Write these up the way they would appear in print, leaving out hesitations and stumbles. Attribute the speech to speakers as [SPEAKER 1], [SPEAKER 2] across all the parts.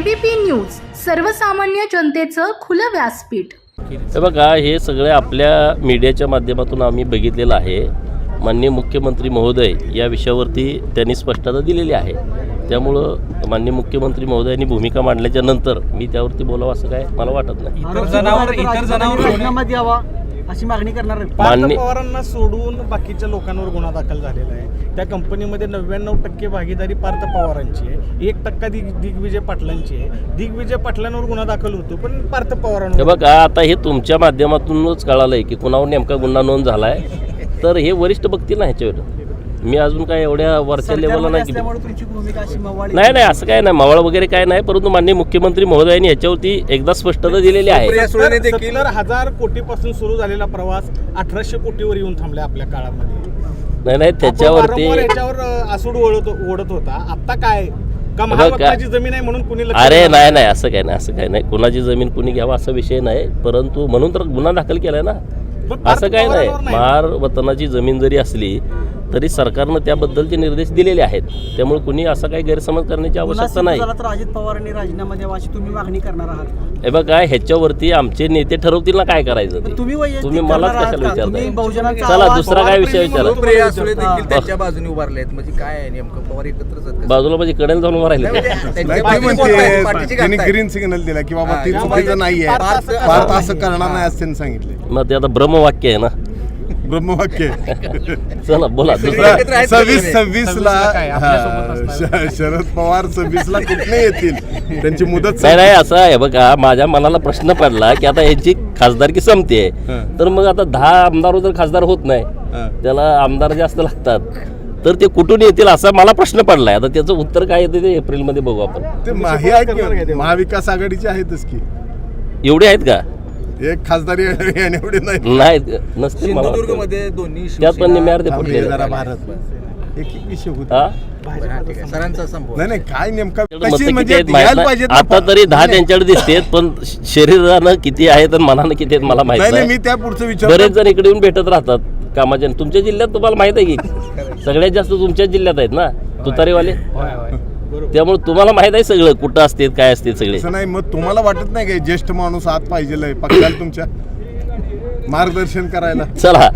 [SPEAKER 1] ABP news, सर्वसामान्य जनतेचं खुलं व्यासपीठ.
[SPEAKER 2] हे बघा, हे सगळे आपल्या मीडियाच्या माध्यमातून आम्ही बघितलेलं आहे. माननीय मुख्यमंत्री महोदय या विषयावरती त्यांनी स्पष्टता दिलेली आहे. त्यामुळं माननीय मुख्यमंत्री महोदयांनी भूमिका मांडल्याच्या नंतर मी त्यावरती बोलावं असं काय मला वाटत नाही.
[SPEAKER 3] इतर जनावर राजीनामा द्यावा अशी मागणी करणार आहे.
[SPEAKER 4] पार्थ पवारांना सोडून बाकीच्या लोकांवर गुन्हा दाखल झालेला आहे. त्या कंपनीमध्ये 99% भागीदारी पार्थ पवारांची आहे, 1% दिग्विजय पाटलांची आहे. दिग्विजय पाटलांवर गुन्हा दाखल होतो पण पार्थ पवारांवर.
[SPEAKER 2] हे बघा, आता हे तुमच्या माध्यमातूनच कळालंय की कुणावर नेमका गुन्हा नोंद झालाय. तर हे वरिष्ठ बघतील ना ह्याच्यावर. मी अजून काय एवढ्या वरच्या लेवलला नाही. नाही असं काय नाही, मावळ वगैरे काय नाही. परंतु माननीय मुख्यमंत्री महोदयांनी ह्याच्यावरती एकदा स्पष्टता दिलेली आहे.
[SPEAKER 4] 70,000 कोटीपासून सुरू झालेला प्रवास 1800 कोटीवर येऊन थांबलाय आपल्या काळामध्ये.
[SPEAKER 2] नाही त्याच्यावरती
[SPEAKER 4] आसूड ओढत होता. आता काय महाराष्ट्राची जमीन आहे म्हणून कुणी
[SPEAKER 2] अरे नाही असं काय नाही. कुणाची जमीन कुणी घ्यावा असा विषय नाही. परंतु म्हणून तर गुन्हा दाखल केलाय ना. असं काय नाही. महार वतनाची जमीन जरी असली तरी सरकारनं त्याबद्दलचे निर्देश दिलेले आहेत. त्यामुळे कुणी असा काही गैरसमज करण्याची आवश्यकता नाही.
[SPEAKER 3] तर अजित पवारांनी राजीनामा द्यावा अशी तुम्ही मागणी करणार आहात.
[SPEAKER 2] हे बघा, ह्याच्यावरती आमचे नेते ठरवतील ना काय करायचं ते. तुम्ही मलाच कशाला विचारता. चला दुसरा काय विषय विचारा.
[SPEAKER 5] त्यांच्या बाजूने उभारले आहेत म्हणजे काय नेमकं पवार एकत्रच
[SPEAKER 2] बाजूला म्हणजे कडेला जाऊन उभं राहिले.
[SPEAKER 6] त्यांनी ग्रीन सिग्नल दिला की बाबा ती चुकीचं नाहीये, भारत असं करणार नाही असं त्यांनी सांगितले.
[SPEAKER 2] मग ते आता ब्रह्मवाक्य आहे ना.
[SPEAKER 6] ब्रह्मवाक्य.
[SPEAKER 2] चला बोला.
[SPEAKER 6] 26 ला शरद पवार 26 ला कुठे येतील, त्यांची मुदत
[SPEAKER 2] नाही असं आहे. बघा, माझ्या मनाला प्रश्न पडला की आता यांची खासदारकी संपते, तर मग आता 10 आमदार जर खासदार होत नाही, त्याला आमदार जास्त लागतात, तर ते कुठून येतील असा मला प्रश्न पडलाय. आता त्याचं उत्तर काय येतं ते एप्रिलमध्ये बघू आपण.
[SPEAKER 6] ते महाविकास आघाडीचे आहेतच की.
[SPEAKER 2] एवढे आहेत का?
[SPEAKER 6] एक खासदारी एवढे
[SPEAKER 2] नाही नसते.
[SPEAKER 5] सिंधुदुर्गमध्ये दोन्ही
[SPEAKER 2] त्यात पण निम्यावर ते फुटले.
[SPEAKER 6] भारत एक विषय होता.
[SPEAKER 5] सरांचा संभव
[SPEAKER 6] नाही काय नेमका
[SPEAKER 2] आता तरी 10 त्यांच्याकडे दिसतेत, पण शरीरानं किती आहेत आणि मनानं किती आहेत मला माहिती नाही.
[SPEAKER 6] मी त्या पुढचं विचार.
[SPEAKER 2] बरेच जण इकडे येऊन भेटत राहतात कामाच्या. तुमच्या जिल्ह्यात तुम्हाला माहित आहे की सगळ्यात जास्त तुमच्याच जिल्ह्यात आहेत ना तुतारीवाले. त्यामुळे तुम्हाला माहित आहे सगळं कुठं असते काय असते सगळे.
[SPEAKER 6] नाही मग तुम्हाला वाटत नाही काय ज्येष्ठ माणूस आत पाहिजे पक्षाला तुमच्या मार्गदर्शन करायला.
[SPEAKER 2] चला.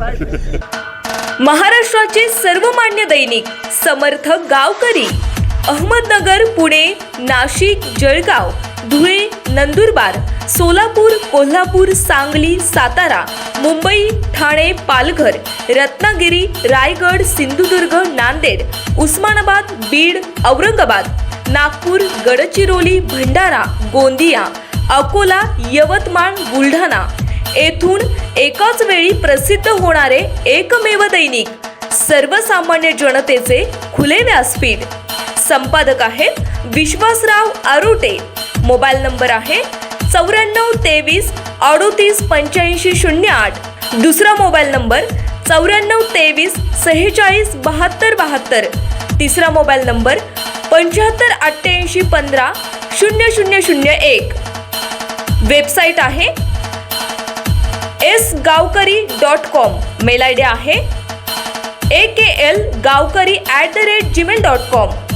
[SPEAKER 7] महाराष्ट्राचे सर्वमान्य दैनिक समर्थ गावकरी, अहमदनगर, पुणे, नाशिक, जळगाव, धुळे, नंदुरबार, सोलापूर, कोल्हापूर, सांगली, सातारा, मुंबई, ठाणे, पालघर, रत्नागिरी, रायगड, सिंधुदुर्ग, नांदेड, उस्मानाबाद, बीड, औरंगाबाद, नागपूर, गडचिरोली, भंडारा, गोंदिया, अकोला, यवतमाळ, बुलढाणा येथून एकाच वेळी प्रसिद्ध होणारे एकमेव दैनिक सर्वसामान्य जनतेचे खुले व्यासपीठ. संपादक आहेत विश्वासराव आरोटे. मोबाईल नंबर आहे 94 23 38 85 08. दुसरा मोबाईल नंबर 94 23 46 72 72. तिसरा मोबाईल नंबर 75 88 15 0001. वेबसाईट आहे sgavkari.com. मेल आयडी आहे akl gavkari@gmail.com.